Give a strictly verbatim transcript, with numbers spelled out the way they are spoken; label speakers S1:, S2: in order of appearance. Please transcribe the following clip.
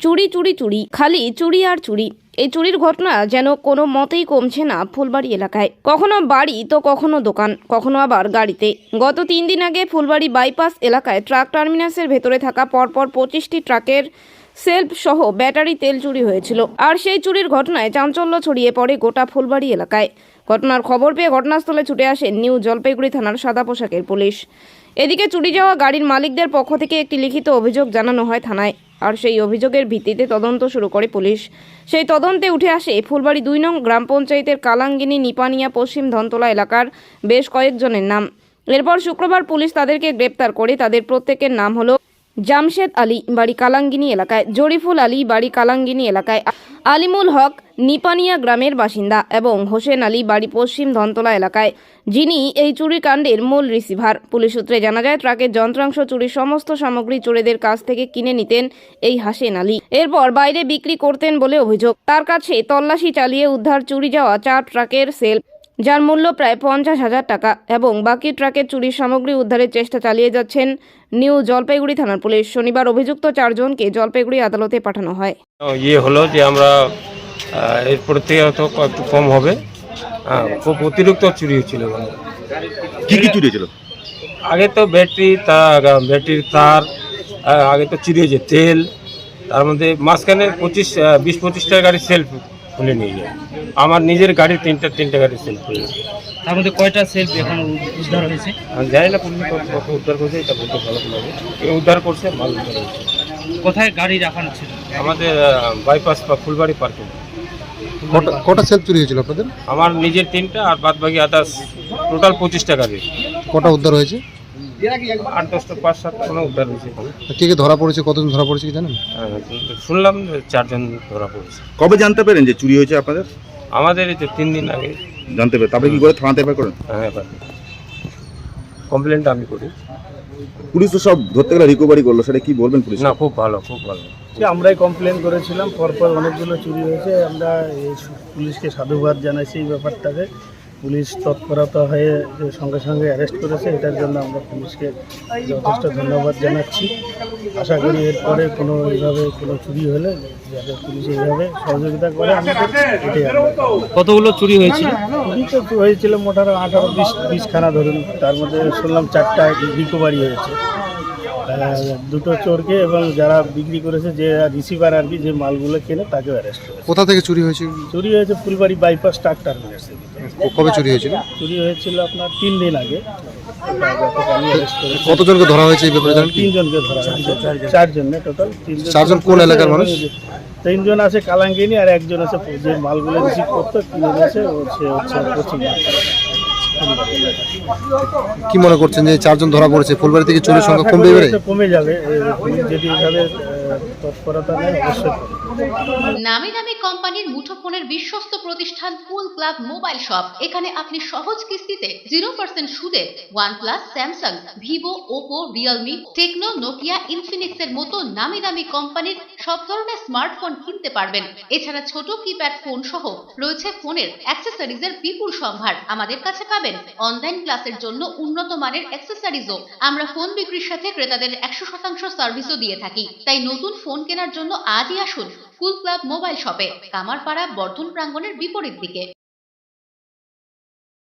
S1: চুরি চুরি চুরি, খালি চুরি আর চুরি। এই চুরির ঘটনা যেন কোনো মতেই কমছে না ফুলবাড়ি এলাকায়। কখনো বাড়ি তো কখনো দোকান, কখনো আবার গাড়িতে। গত তিন দিন আগে ফুলবাড়ি বাইপাস এলাকায় ট্রাক টার্মিনাসের ভেতরে থাকা পরপর পঁচিশটি ট্রাকের সেলফ সহ ব্যাটারি তেল চুরি হয়েছিল। আর সেই চুরির ঘটনায় চাঞ্চল্য ছড়িয়ে পড়ে গোটা ফুলবাড়ি এলাকায়। ঘটনার খবর পেয়ে ঘটনাস্থলে ছুটে আসে নিউ জলপাইগুড়ি থানার সাদা পোশাকের পুলিশ। এদিকে চুরি যাওয়া গাড়ির মালিকদের পক্ষ থেকে একটি লিখিত অভিযোগ জানানো হয় থানায়। আর সেই অভিযোগের ভিত্তিতে তদন্ত শুরু করে পুলিশ। সেই তদন্তে উঠে আসে ফুলবাড়ি দুই নং গ্রাম পঞ্চায়েতের কালাঙ্গিনী নিপানিয়া পশ্চিম ধনতলা এলাকার বেশ কয়েকজনের নাম। এরপর শুক্রবার পুলিশ তাদেরকে গ্রেপ্তার করে। তাদের প্রত্যেকের নাম হলো জামশেদ আলী, বাড়ি কালাঙ্গিনী এলাকায়; জরিফুল আলী, বাড়ি কালাঙ্গিনী এলাকায়; আলিমুল হক নিপানিয়া গ্রামের বাসিন্দা এবং হোসেন আলী, বাড়ি পশ্চিম ধনতলা এলাকায়, যিনি এই চুরিকাণ্ডের মূল রিসিভার। পুলিশ সূত্রে জানা যায়, ট্রাকের যন্ত্রাংশ চুরির সমস্ত সামগ্রী চোরেদের কাছ থেকে কিনে নিতেন এই হোসেন আলী, এরপর বাইরে বিক্রি করতেন বলে অভিযোগ। তার কাছে তল্লাশি চালিয়ে উদ্ধার চুরি যাওয়া চার ট্রাকের সেল, যার মূল্য প্রায় পঞ্চাশ হাজার টাকা, এবং বাকি ট্রাকের চুরির সামগ্রী উদ্ধারের চেষ্টা চালিয়ে যাচ্ছেন নিউ জলপাইগুড়ি থানার পুলিশ। শনিবার অভিযুক্ত চারজনকে জলপাইগুড়ি আদালতে পাঠানো হয়।
S2: ইয়ে হলো যে আমরা এরপর থেকে হয়তো একটু কম হবে। খুব অতিরিক্ত চুরি হচ্ছিল।
S3: কি কি চুরি হয়েছিল?
S2: আগে তো ব্যাটারি তার ব্যাটারির তার, আগে তো চুরি হয়েছে তেল, তার মধ্যে মাঝখানে পঁচিশ বিশ পঁচিশটা গাড়ির সেলফ খুলে নিয়ে যায়। আমার নিজের গাড়ি তিনটা তিনটা গাড়ির সেলফ খুলে নিয়ে যায়।
S4: তার মধ্যে কয়টা সেলফ এখন উদ্ধার হয়েছে?
S2: আমি জানি না পুলিশ কত উদ্ধার করছে, এটা বলতে ভালো লাগবে। উদ্ধার করছে, মাল উদ্ধার করছে।
S4: কোথায় গাড়ি রাখানো ছিল?
S2: আমাদের বাইপাস বা ফুলবাড়ি পার্কিং।
S3: কটা সেলফ চুরি হয়েছিল আপনাদের?
S2: আমার নিজের তিনটা আর বাদ বাকি আদার্স টোটাল পঁচিশটা গাড়ি।
S3: কটা উদ্ধার হয়েছে?
S2: আট দশটা পাঁচ সাত কোনো উদ্ধার হয়েছে।
S3: কে কে ধরা পড়েছে, কতজন ধরা পড়েছে কি জানেন?
S2: শুনলাম চারজন ধরা পড়েছে।
S5: কবে জানতে পেরেন যে চুরি হয়েছে আপনাদের?
S2: আমাদের এই তো তিন দিন আগে
S5: জানতে পেরে তারপরে কি করে থানাতে এফআইআর করেন?
S2: হ্যাঁ, কমপ্লেনটা আমি করি।
S5: পুলিশ তো সব ধরতে গেলে রিকভারি করলো, সেটা কি বলবেন পুলিশ?
S2: না, খুব ভালো, খুব ভালো।
S6: আমরাই কমপ্লেন করেছিলাম, পরপর অনেকগুলো চুরি হয়েছে। আমরা এই পুলিশকে সাধুবাদ জানাইছি এই ব্যাপারটাকে। পুলিশ তৎপরতা হয়ে যে সঙ্গে সঙ্গে অ্যারেস্ট করেছে, এটার জন্য আমরা পুলিশকে যথেষ্ট ধন্যবাদ জানাচ্ছি। আশা করি এরপরে কোনো এইভাবে কোনো চুরি হলে যাতে পুলিশ এইভাবে সহযোগিতা করে আমাদের, এটাই আমরা।
S4: কতগুলো চুরি হয়েছিল?
S6: চুরি তো হয়েছিল মোটামুটি আঠারো বিশ বিশখানা ধরুন। তার মধ্যে শুনলাম চারটা রিকভারি হয়েছে। দুটো চোরকে এবং যারা বিক্রি করেছে, যে রিসিভার আর কি, যে মালগুলো কেনে, তাকে অ্যারেস্ট করেছে।
S3: কোথা থেকে চুরি হয়েছে?
S6: চুরি হয়েছে ফুলবাড়ি বাইপাস ট্রাক টার্মিনাস থেকে।
S3: কবে চুরি হয়েছিল?
S6: চুরি হয়েছিল আপনার তিন দিন আগে।
S3: কতজনকে ধরা হয়েছে এই ব্যাপারে জানেন?
S6: তিনজনকে ধরা হয়েছে, চারজন টোটাল। তিনজন।
S3: চারজন কোন এলাকার মানুষ?
S6: তিনজন আছে কালাঙ্গিনী, আর একজন আছে যে মালগুলো রিসিভ করতো, কিনে নিয়েছে, সে হচ্ছে পশ্চিম।
S3: কি মনে করছেন যে চারজন ধরা পড়েছে, ফুলবাড়ি থেকে চুরির সংখ্যা কমবে এবারে?
S6: কমে যাবে যদি এইভাবে তৎপরতা নেয়, অবশ্যই।
S7: নামি দামি কোম্পানির মুঠোফোনের বিশ্বস্ত প্রতিষ্ঠান কুল ক্লাব মোবাইল শপ। এখানে আপনি সহজ কিস্তিতে জিরো পার্সেন্ট সুদে OnePlus, Samsung, Vivo, Oppo, Realme, Tecno, Nokia, Infinix এর মতো নামি দামি কোম্পানির সব ধরনের স্মার্টফোন কিনতে পারবেন। এছাড়া ছোট কিপ্যাড ফোন সহ রয়েছে ফোনের অ্যাক্সেসরিজের বিপুল সম্ভার। আমাদের কাছে পাবেন অনলাইন ক্লাসের জন্য উন্নত মানের অ্যাক্সেসরিজও। আমরা ফোন বিক্রির সাথে ক্রেতাদের একশো শতাংশ সার্ভিসও দিয়ে থাকি। তাই নতুন ফোন কেনার জন্য আজই আসুন কুল ক্লাব মোবাইল শপে, কামারপাড়া বর্ধন প্রাঙ্গণের বিপরীত দিকে।